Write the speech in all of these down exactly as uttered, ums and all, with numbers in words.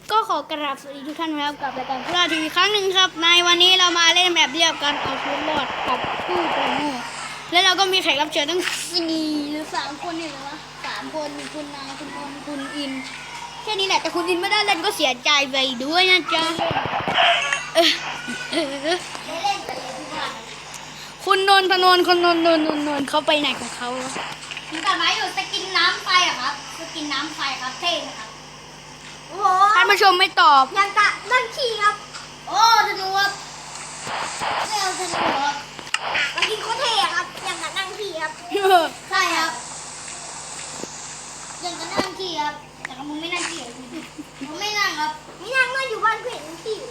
ก็ขอกราบสวัสดีทุกท่านนะครับกับรายการพุราทีวีครั้งหนึ่งครับในวันนี้เรามาเล่นแบบเรียบกันเอาชีวิตรอดกับผู้โกงโง่และเราก็มีแขกรับเชิญตั้งสี่หรือสามคนเนี่ยเลยวะสามคนมีคุณนายคุณพลคุณอินแค่นี้แหละแต่คุณอินไม่ได้เล่นก็เสียใจไปด้วยนะจ๊ะเออเออคุณนนทนนท์คุณนนท์นนท์นนท์นนท์เขาไปไหนของเขาแล้วอยู่กับไม้อยู่สกินน้ำไฟอะครับสกินน้ำไฟครับเท่ไหมครับโอ้โหท่านผู้ชมไม่ตอบยังกะนั่งขี่ครับโอ้ธนูครับเร็วธนูครับสกินโคตรเท่ครับยังกะนั่งขี่ครับใช่ครับยังกะนั่งขี่ครับแต่มึงไม่นั่งขี่มึงไม่นั่งครับไม่นั่งก็อยู่บ้านเพื่อนขี่อยู่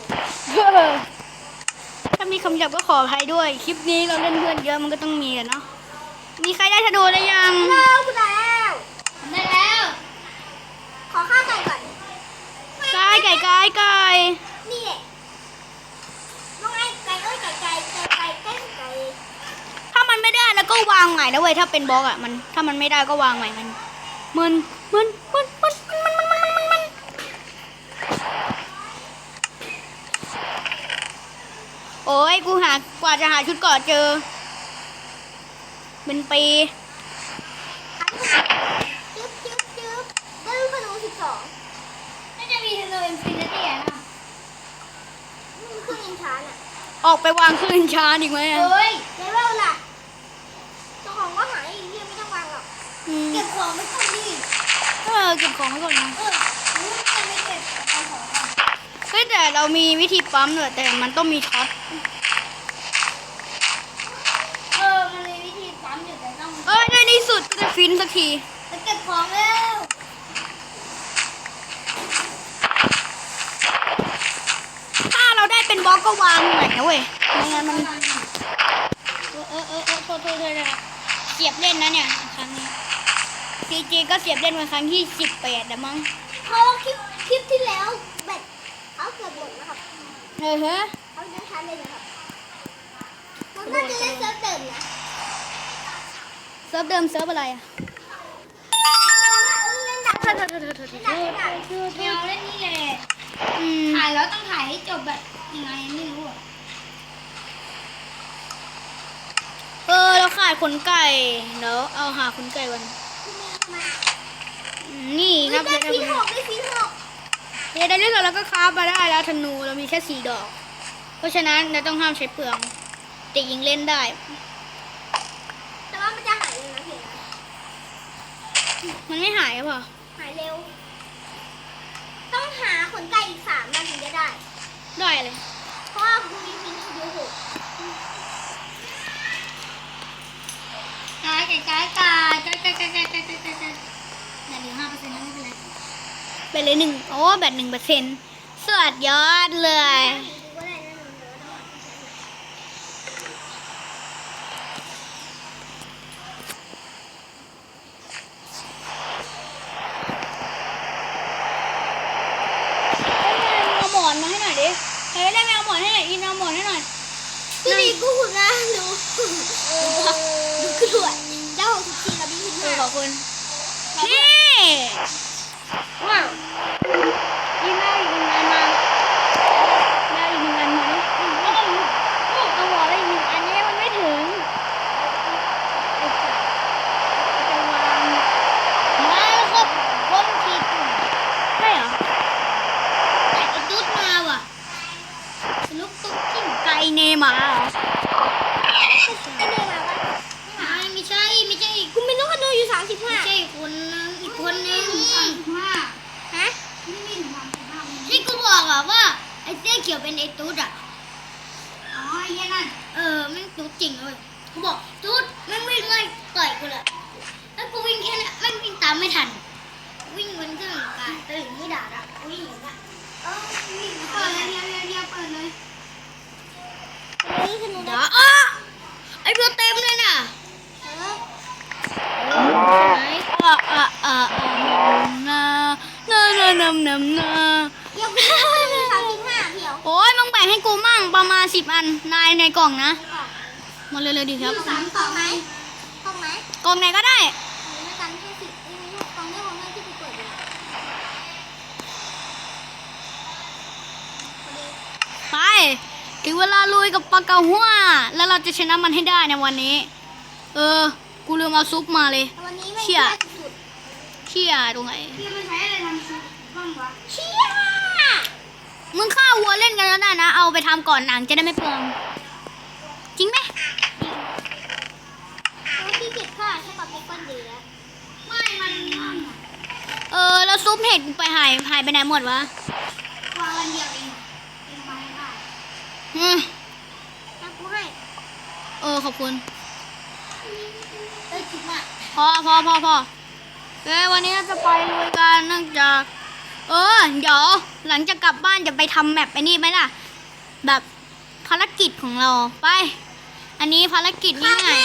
ถ้ามีคำหยาบก็ขออภัยด้วยคลิปนี้เราเล่นเพื่อนเยอะมันก็ต้องมีกันเนาะมีใครได้ธนูหรือยังแล้วคุณแล้วได้แล้วขอข้าวไก่ก่อนไก่ไก่ไก่ไก่นี่แหละน้องไอ้ไก่เอ้ยไก่ไก่ไก่ไก่ไก่ไก่ถ้ามันไม่ได้แล้วก็วางใหม่นะเว้ยถ้าเป็นบล็อกอ่ะมันถ้ามันไม่ได้ก็วางใหม่มันมันมันมันมันมันมันมันมันมันโอ้ยกูหากว่าจะหาชุดเกาะเจอเป็นปีจึ๊บจึ๊บจึ๊บได้ลูกขนุนสิบสองน่าจะมีเทโลอินฟินิตี้อะนะมันเครื่องยิงช้าน่ะออกไปวางขึ้นช้าดีไหมอ่ะเฮ้ยเลเวลล่ะเจ้าของก็หายอีกเรื่องไม่ต้องวางหรอกเก็บของไม่ต้องดีเออเก็บของไว้ก่อนนะเออไม่ไม่เก็บเอาของก่อนเฮ้ยแต่เรามีวิธีปั๊มด้วยแต่มันต้องมีช็อตเออมันมีวิธีปั๊มอยู่แต่ต้องเออในที่สุดก็จะฟินสักทีจะเก็บของแล้วถ้าเราได้เป็นบล็อกก็วางใหม่นะเว้ยไม่งั้นมันเออเออเออเออโทษโทษโทษนะเสียบเล่นนะเนี่ยครั้งนี้จีจีก็เสียบเล่นมาครั้งที่สิบแปดแล้วมั้งเพราะคลิปคลิปที่แล้วแบตเขาเกือบหมดนะครับเออฮะเขาจะใช้เลยนะครับมันน่าจะเล่นเซิร์ฟเดิมนะเซิร์ฟเดิมเซิร์ฟอะไรอ่ะเล่นดักเล่นดักเล่นดักเล่นดักแมวเล่นนี่แหละถ่ายแล้วต้องถ่ายให้จบแบบยังไงไม่รู้อ่ะเออเราขาดขนไก่เดี๋ยวเอาหาขนไก่วันนี่ครับได้ฟีหกได้ฟีหกเดี๋ยวได้เรื่องเราก็คราฟมาได้แล้วธนูเรามีแค่สี่ดอกเพราะฉะนั้นเราต้องห้ามใช้เปลืองแต่ยิงเล่นได้แต่ว่ามันจะหายเร็วนะเพียงมันไม่หายหรอหายเร็วต้องหาขนไก่อีกสามมันถึงจะได้ได้เลยเพราะว่าคุณมีฟีเยอะหกไก่ไก่ไก่ไก่ไก่ไก่ไก่ไก่ไก่ไก่ไก่ไก่เหลือห้าเปอร์เซ็นต์แล้วไม่เป็นไรไปเลยหนึ่งโอ้แบตหนึ่งเปอร์เซ็นต์สวัสดียอดเลยเอาหมอนมาให้หน่อยดิเฮ้ยได้ไหมเอาหมอนให้หน่อยอินเอาหมอนให้หน่อยดูดิกูหุ่นนะดูดูกระโดดเจ้าหกสิบสี่กับพี่สิบห้าขอบคุณนี่ว้าวยิงได้อีกหนึ่งอันมาได้อีกหนึ่งอันมาดิเอาหัวได้อีกหนึ่งอันนี้มันไม่ถึงจะวางมาแล้วครับคนขีดใช่เหรอไอ้ตุ๊ดมาว่ะลูกตุ๊ดจิ้มไก่เนมาเหรอไอ้เนมาวะไม่ไม่ใช่ไม่ใช่คุณเป็นน้องคนูอยู่สามสิบห้าไม่ใช่คนอีกคนนึงสามสิบห้าฮะที่กูบอกอะว่าไอ้เสื้อเขียวเป็นไอ้ตุ๊ดอะอ๋อไอ้นั่นเออแม่งตุ๊ดจริงเลยกูบอกตุ๊ดแม่งวิ่งไล่ต่อยกูเลยแล้วกูวิ่งแค่นั้นแม่งวิ่งตามไม่ทันวิ่งบนเครื่องกายตื่นไม่ด่าอะวิ่งอย่างนั้นเออวิ่งเปิดเลยเรียบเรียบเรียบเปิดเลยเดี๋ยวอ้อไอ้เพื่อเต็มเลยน่ะอ่ะอ่ะอ่ะนานานานานานาเดี๋ยวกูมีสามสิบห้าเดี๋ยวโอ้ยมึงแบ่งให้กูมั่งประมาณสิบอันนายในกล่องนะมาเร็วๆดีครับสามกล่องไหมกล่องไหมกล่องไหนก็ได้ไม่กันแค่สิบไม่รู้กล่องนี้ของแม่ที่กูเปิดอยู่ถึงเวลาลุยกับปลาเก๋าหัวแล้วเราจะชนะมันให้ได้ในวันนี้ เออ กูลืมเอาซุปมาเลยวันนี้ไม่เชี่ยสุดเชี่ยตรงไหนพี่มันใช้อะไรทำซุปบ้างวะเชี่ยมึงฆ่าวัวเล่นกันแล้วได้นะ เอาไปทำก่อนหนังจะได้ไม่เปลือง จริงไหมแล้วพี่เก็บค่าใช่ปะเป็นก้อนดีแล้วไม่มันเออ แล้วซุปเห็ดกูไปหายหายไปไหนหมดวะวางวันเดียวเองเป็นไม้ได้อืมนะกูให้เออ ขอบคุณเอ้ยคิดมากพอพอพอพอเอ้ยวันนี้เราจะไปลุยกันเนื่องจาก เออ เดี๋ยวหลังจากกลับบ้านจะไปทำแมปไอ้นี่ไหมล่ะ แบบภารกิจของเราไป อันนี้ภารกิจนี่ไง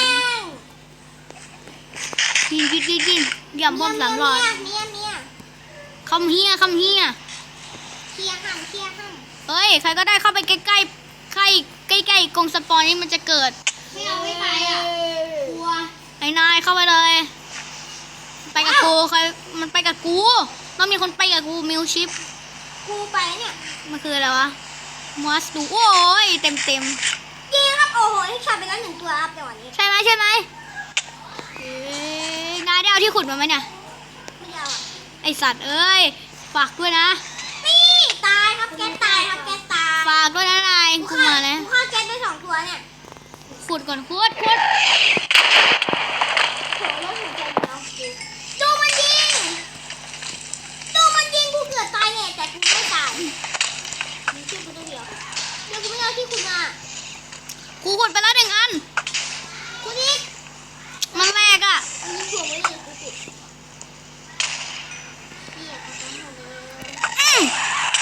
ยิงยิงยิงยิงย่ำบอมสามรอยเมียเมียคำเฮียคำเฮียเคลียร์หั่นเคลียร์หั่นเฮ้ย ใครก็ได้เข้าไปใกล้ใกล้ใกล้ใกล้ใกล้ๆกรงสปอนนี่มันจะเกิดไม่เอาไม่ไปอ่ะกลัวไอ้นายเข้าไปเลย ไปกับกูใครมันไปกับกูต้องมีคนไปกับกูมิวชิปกูไปเนี่ยมันคืออะไรวะมัสดูโอ้ยเต็มเต็มยิงครับโอ้โหที่ชาไปแล้วหนึ่งตัวอัพในวันนี้ใช่ไหมใช่ไหมเอ้ยนายได้เอาที่ขุดมาไหมเนี่ยไม่เอาอ่ะไอสัตว์เอ้ยฝากด้วยนะนี่ตายครับแกตายครับแกตายฝากด้วยนะนายกูมาแล้วกูฆ่าแกไปสองตัวเนี่ยขุดก่อนขุดขุดโหแล้วหัวใจมันเอากูดูมันยิงดูมันยิงกูเกือบตายเนี่ยแต่กูไม่ตายมีชื่อกูตัวเดียวเดี๋ยวกูไม่เอาที่คุณมากูขุดไปแล้วหนึ่งอันคุณนิกมันแรกอ่ะอันนี้ถ่วงไว้เลยกูปิดเนี่ยเอาไปหมดเลยอืม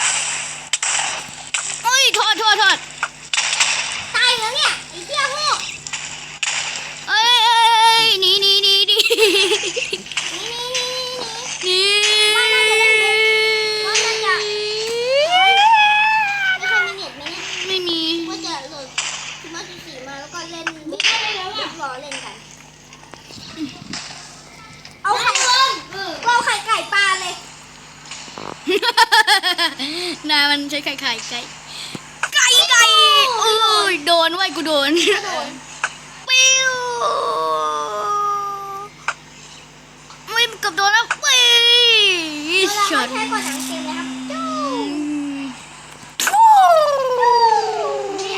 โอ้ยโทษโทษโทษตายแล้วเนี่ยไอ้เหี้ยพวกเอ้ยเอ้ยเอ้ยหนีหนีหนีหนีนี่นี่นี่นี่หนีว่าน่าจะเล่นเป็นว่าน่าจะไม่ค่อยมีเน็ตไหมเนี่ยไม่มีว่าจะโหลดสมาร์ทสี่มาแล้วก็เล่นไม่ได้แล้วอ่ะรอเล่นกัน เอาไข่เอาไข่ไก่ปลาเลยนายมันใช้ไข่ไข่ไก่ไก่ไก่โอ้ยโดนไว้ยกูโดนกระโดดปิ้วไม่เกับโดนแล้วปิ้เวลาเขาใช้ก่อนหนังเกมเลยครับจู้เนี่ย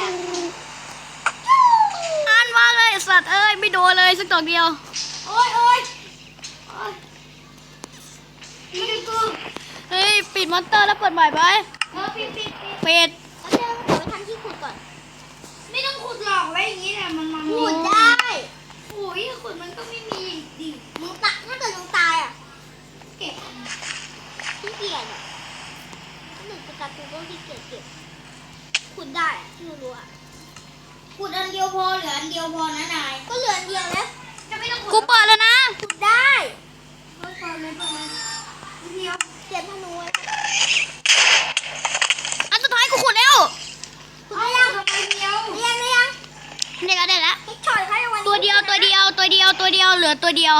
อ่านว่าเลยสัตว์เอ้ยไม่โดนเลยสักดอกเดียวโอ้ยโอ้ยโอ้ยนี่กูเฮ้ยปิดมอนเตอร์แล้วเปิดใหม่ไปเออปิดปิดปิดปิดแล้วเดี๋ยวเดี๋ยวไปทำที่ขุดก่อน ไม่ต้องขุดหรอกไว้อย่างนี้แหละมันมันขุดได้ โอ้ยขุดมันก็ไม่มีดิมึงตายถ้าเกิดมึงตายอ่ะ เก็บขี้เกียจอ่ะถ้าหนึ่งจะตัดกูก็ขี้เกียจเก็บขุดได้อะที่รู้ๆอ่ะขุดอันเดียวพอเหลืออันเดียวพอนะนายก็เหลืออันเดียวแล้วจะไม่ต้องขุดกูเปิดแล้วนะขุดได้เปิดเปิดเลยเปิดเลยเดียวเจ็บพนุไว้อันสุดท้ายกูขุดแล้วขุดได้ยังทำไมเดียวเรียนได้ยังได้แล้วได้แล้วให้ช็อตให้วันนี้ตัวเดียวตัวเดียวตัวเดียวตัวเดียวเหลือตัวเดียว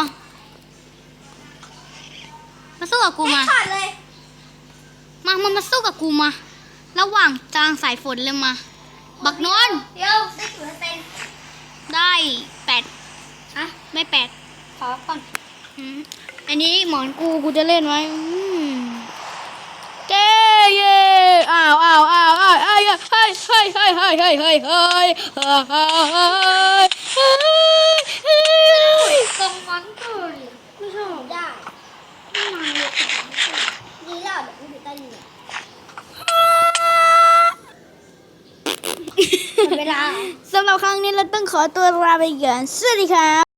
มาสู้กับกูให้มาช็อตเลยมามามาสู้กับกูมา ระหว่างจางสายฝนเลยมา บักนอนเดี๋ยวได้กี่เปอร์เซ็นต์ได้แปดฮะไม่แปดขอก่อนอืมอันนี้หมอนกูกูจะเล่นไว้อืมเจ๊เย่อ้าวอ้าวอ้าวอ้าวอ้าวเฮ้ยเฮ้ยเฮ้ยเฮ้ยเฮ้ยเฮ้ยเฮ้ยเฮ้ยเฮ้ยเฮ้ยเฮ้ยตรงมันเกินไม่ชอบได้ไม่มาเลยดีแล้วเดี๋ยวกูอยู่ใต้ดินเนี่ยหมดเวลาสำหรับครั้งนี้เราต้องขอตัวลาไปก่อนสวัสดีครับ